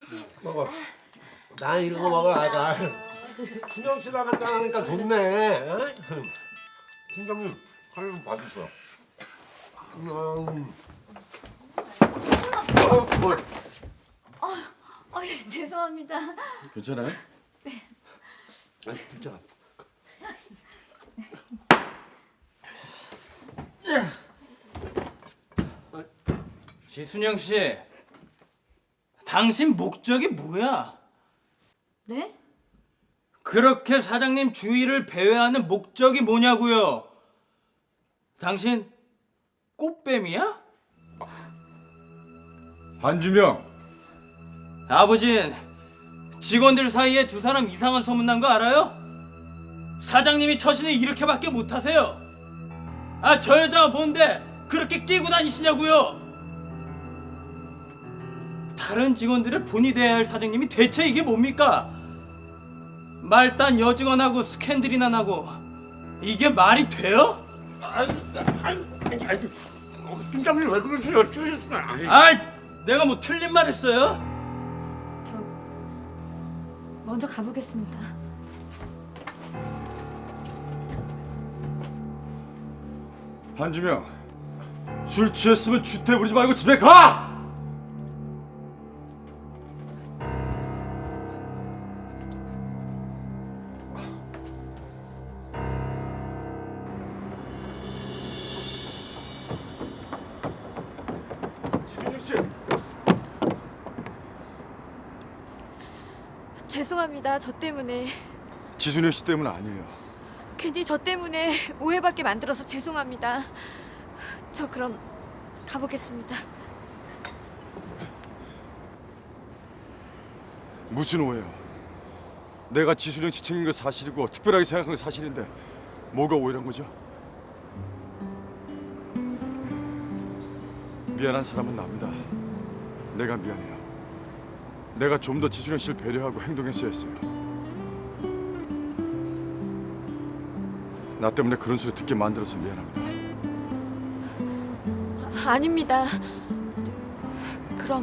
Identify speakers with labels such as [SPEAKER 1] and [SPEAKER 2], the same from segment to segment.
[SPEAKER 1] 씨.
[SPEAKER 2] 먹어. 난 이런 거 먹어. 나 신경 쓰라 간다니까 좋네. 어? 신경님 하려면 봐주세요. 뭐.
[SPEAKER 1] 예, 죄송합니다.
[SPEAKER 3] 괜찮아요?
[SPEAKER 2] 아 진짜.
[SPEAKER 4] 지순영 씨, 당신 목적이 뭐야?
[SPEAKER 1] 네?
[SPEAKER 4] 그렇게 사장님 주위를 배회하는 목적이 뭐냐고요? 당신 꽃뱀이야?
[SPEAKER 3] 한주명,
[SPEAKER 4] 아버진 직원들 사이에 두 사람 이상한 소문난 거 알아요? 사장님이 처신을 이렇게밖에 못하세요. 아, 저 여자가 뭔데 그렇게 끼고 다니시냐고요? 다른 직원들의 본이 돼야 할 사장님이 대체 이게 뭡니까? 말단 여직원하고 스캔들이나 나고 이게 말이 돼요?
[SPEAKER 2] 팀장님 왜 그러세요?
[SPEAKER 4] 아이, 내가 뭐 틀린 말 했어요?
[SPEAKER 1] 저 먼저 가보겠습니다.
[SPEAKER 3] 한주명, 술 취했으면 주태 부리지 말고 집에 가! 지순영 씨,
[SPEAKER 1] 죄송합니다. 저 때문에
[SPEAKER 3] 지순영 씨 때문 아니에요.
[SPEAKER 1] 괜히 저 때문에 오해받게 만들어서 죄송합니다. 저 그럼 가보겠습니다.
[SPEAKER 3] 무슨 오해요? 내가 지순영 씨 챙긴 거 사실이고 특별하게 생각한 거 사실인데 뭐가 오해란 거죠? 미안한 사람은 납니다. 내가 미안해요. 내가 좀 더 지순영 씨를 배려하고 행동했어야 했어요. 나 때문에 그런 소리 듣게 만들어서 미안합니다.
[SPEAKER 1] 아닙니다. 그럼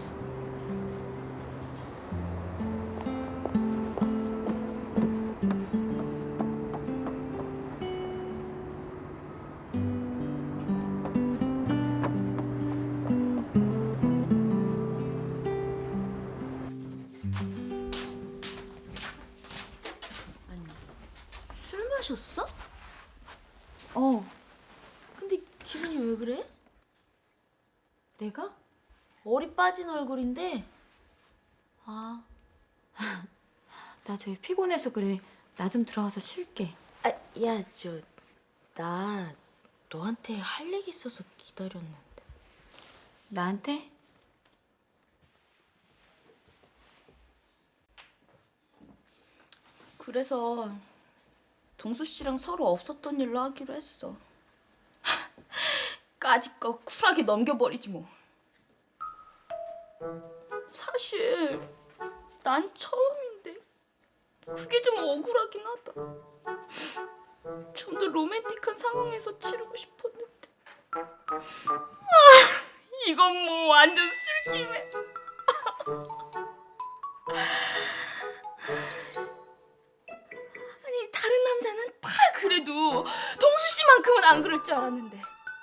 [SPEAKER 5] 술 마셨어?
[SPEAKER 1] 어,
[SPEAKER 5] 근데 기분이 왜 그래? 내가? 머리 빠진 얼굴인데. 아,
[SPEAKER 1] 나 되게 피곤해서 그래. 나 좀 들어가서 쉴게.
[SPEAKER 5] 아, 야, 나 너한테 할 얘기 있어서 기다렸는데.
[SPEAKER 1] 나한테?
[SPEAKER 5] 그래서 동수 씨랑 서로 없었던 일로 하기로 했어. 까짓거 쿨하게 넘겨버리지 뭐. 사실 난 처음인데 그게 좀 억울하긴 하다. 좀 더 로맨틱한 상황에서 치르고 싶었는데. 이건 뭐 완전 술김에. 아니 다른 남자는 다 그래도 동수 씨만큼은 안 그럴 줄 알았는데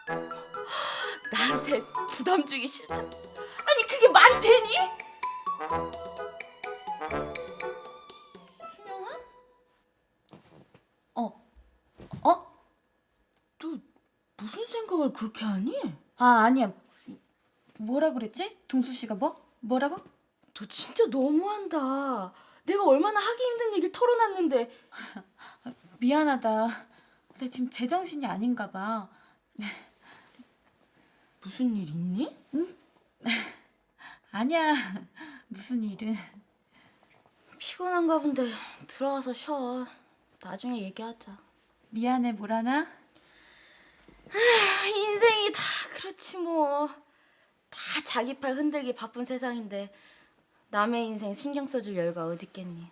[SPEAKER 5] 나한테 부담 주기 싫다. 아니 그게 말이 되니? 순영아?
[SPEAKER 1] 어?
[SPEAKER 5] 너 무슨 생각을 그렇게 하니?
[SPEAKER 1] 아, 아니야. 뭐라 그랬지? 동수 씨가 뭐? 뭐라고?
[SPEAKER 5] 너 진짜 너무한다. 내가 얼마나 하기 힘든 얘기를 털어놨는데.
[SPEAKER 1] 미안하다. 나 지금 제정신이 아닌가 봐.
[SPEAKER 5] 무슨 일 있니?
[SPEAKER 1] 아니야. 무슨 일은.
[SPEAKER 5] 피곤한가 본데 들어가서 쉬어. 나중에 얘기하자.
[SPEAKER 1] 미안해, 뭐라나?
[SPEAKER 5] 인생이 다 그렇지 뭐. 다 자기 팔 흔들기 바쁜 세상인데 남의 인생 신경 써줄 여유가 어딨겠니.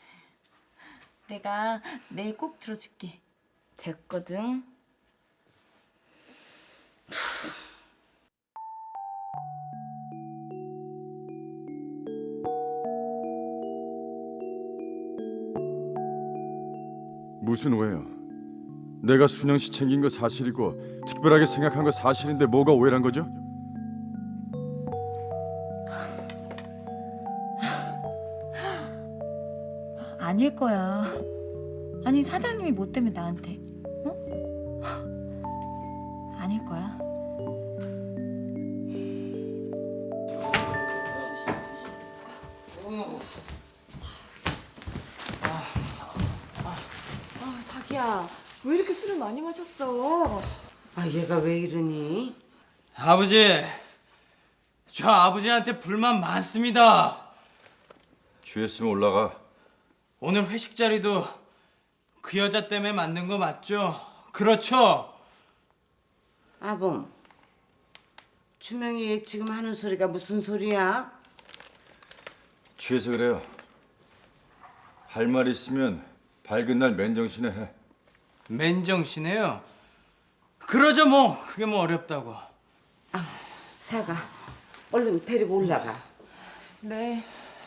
[SPEAKER 1] 내가 내일 꼭 들어줄게.
[SPEAKER 5] 됐거든.
[SPEAKER 3] 무슨 오해요? 내가 순영 씨 챙긴 거 사실이고 특별하게 생각한 거 사실인데 뭐가 오해란 거죠?
[SPEAKER 1] 아닐 거야. 아니 사장님이 뭐 때문에 나한테? 어? 아닐 거야.
[SPEAKER 6] 자기야, 왜 이렇게 술을 많이 마셨어?
[SPEAKER 7] 아, 얘가 왜 이러니?
[SPEAKER 4] 아버지, 저 아버지한테 불만 많습니다.
[SPEAKER 3] 취했으면 올라가.
[SPEAKER 4] 오늘 회식 자리도 그 여자 때문에 만든 거 맞죠? 그렇죠?
[SPEAKER 7] 아범, 주명이 얘 지금 하는 소리가 무슨 소리야?
[SPEAKER 3] 취해서 그래요. 할 말 있으면 밝은 날 맨정신에 해.
[SPEAKER 4] 맨정신해요. 그러죠 뭐. 그게 뭐 어렵다고.
[SPEAKER 7] 사가, 얼른 데리고 올라가.
[SPEAKER 6] 네.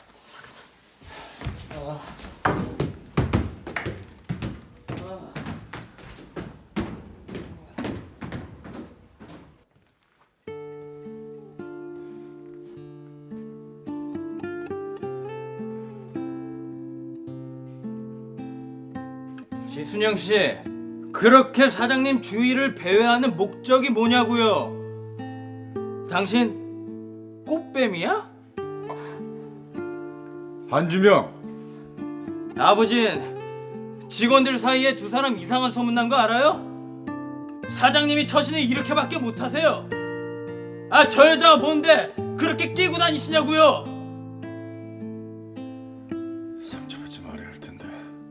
[SPEAKER 4] 지순영 씨, 그렇게 사장님 주의를 배회하는 목적이 뭐냐고요? 당신 꽃뱀이야?
[SPEAKER 3] 한주명,
[SPEAKER 4] 아버진 직원들 사이에 두 사람 이상한 소문난 거 알아요? 사장님이 처신을 이렇게밖에 못하세요. 아, 저 여자가 뭔데 그렇게 끼고 다니시냐고요?
[SPEAKER 3] 상처받지 말아야 할 텐데.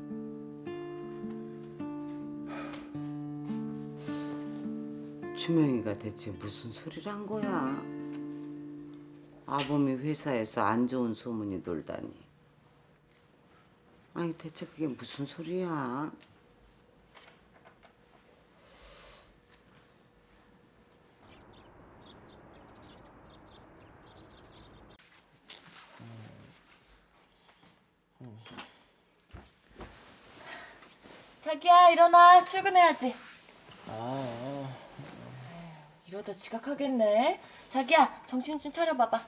[SPEAKER 7] 주명이가 대체 무슨 소리를 한 거야? 아범이 회사에서 안 좋은 소문이 돌다니. 아니, 대체 그게 무슨 소리야?
[SPEAKER 6] 자기야, 일어나. 출근해야지. 이러다 지각하겠네. 자기야, 정신 좀 차려봐봐.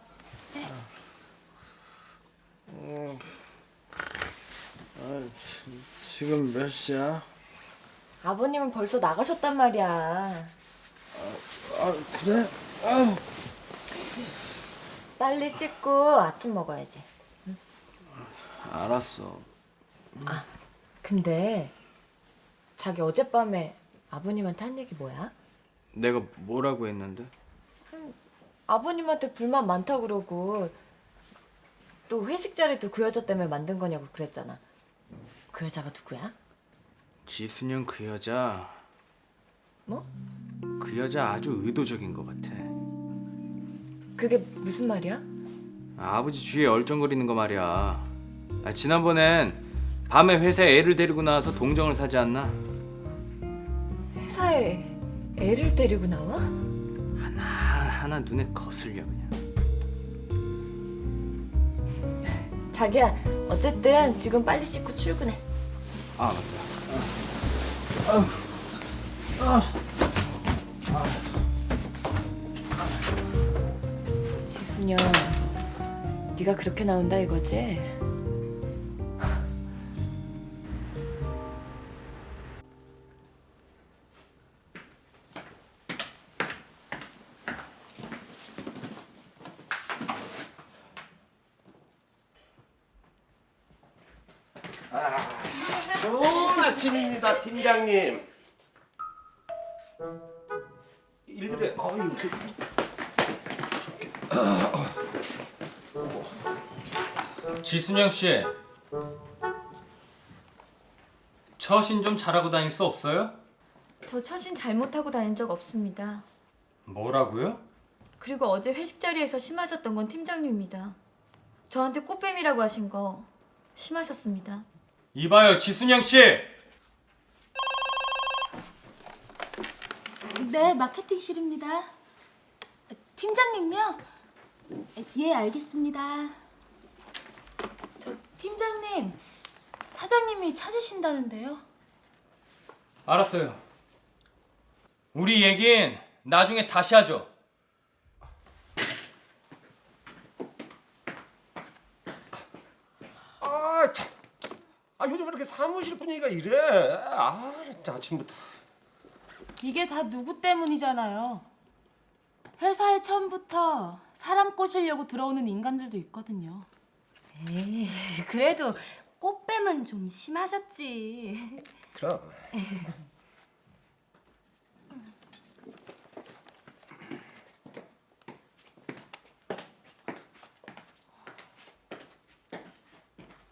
[SPEAKER 8] 지금 몇 시야?
[SPEAKER 6] 아버님은 벌써 나가셨단 말이야.
[SPEAKER 8] 아, 그래? 아우.
[SPEAKER 6] 빨리 씻고 아침 먹어야지.
[SPEAKER 8] 알았어.
[SPEAKER 6] 근데 자기 어젯밤에 아버님한테 한 얘기 뭐야?
[SPEAKER 4] 내가 뭐라고 했는데?
[SPEAKER 6] 아버님한테 불만 많다 그러고 또 회식 자리도 그 여자 때문에 만든 거냐고 그랬잖아. 그 여자가 누구야?
[SPEAKER 4] 지순영 그 여자.
[SPEAKER 6] 뭐?
[SPEAKER 4] 그 여자 아주 의도적인 것 같아.
[SPEAKER 6] 그게 무슨 말이야?
[SPEAKER 4] 아버지 주위에 얼쩡거리는 거 말이야. 지난번엔 밤에 회사에 애를 데리고 나와서 동정을 사지 않나?
[SPEAKER 6] 회사에 애를 데리고 나와?
[SPEAKER 4] 하나 눈에 거슬려 그냥.
[SPEAKER 6] 자기야, 어쨌든 지금 빨리 씻고 출근해.
[SPEAKER 4] 아 맞다.
[SPEAKER 6] 지순영, 네가 그렇게 나온다 이거지?
[SPEAKER 2] 좋은 아침입니다, 팀장님. 일들에
[SPEAKER 4] 지순영 씨, 처신 좀 잘하고 다닐 수 없어요?
[SPEAKER 1] 저 처신 잘못하고 다닌 적 없습니다.
[SPEAKER 4] 뭐라고요?
[SPEAKER 1] 그리고 어제 회식 자리에서 심하셨던 건 팀장님입니다. 저한테 꽃뱀이라고 하신 거 심하셨습니다.
[SPEAKER 4] 이봐요, 지순영 씨.
[SPEAKER 9] 네, 마케팅실입니다. 팀장님요? 예, 알겠습니다. 저 팀장님, 사장님이 찾으신다는데요.
[SPEAKER 4] 알았어요. 우리 얘긴 나중에 다시 하죠.
[SPEAKER 2] 아 참. 아 요즘 이렇게 사무실 분위기가 이래. 아 진짜 아침부터.
[SPEAKER 9] 이게 다 누구 때문이잖아요. 회사에 처음부터 사람 꼬시려고 들어오는 인간들도 있거든요.
[SPEAKER 10] 에이, 그래도 꽃뱀은 좀 심하셨지.
[SPEAKER 2] 그럼.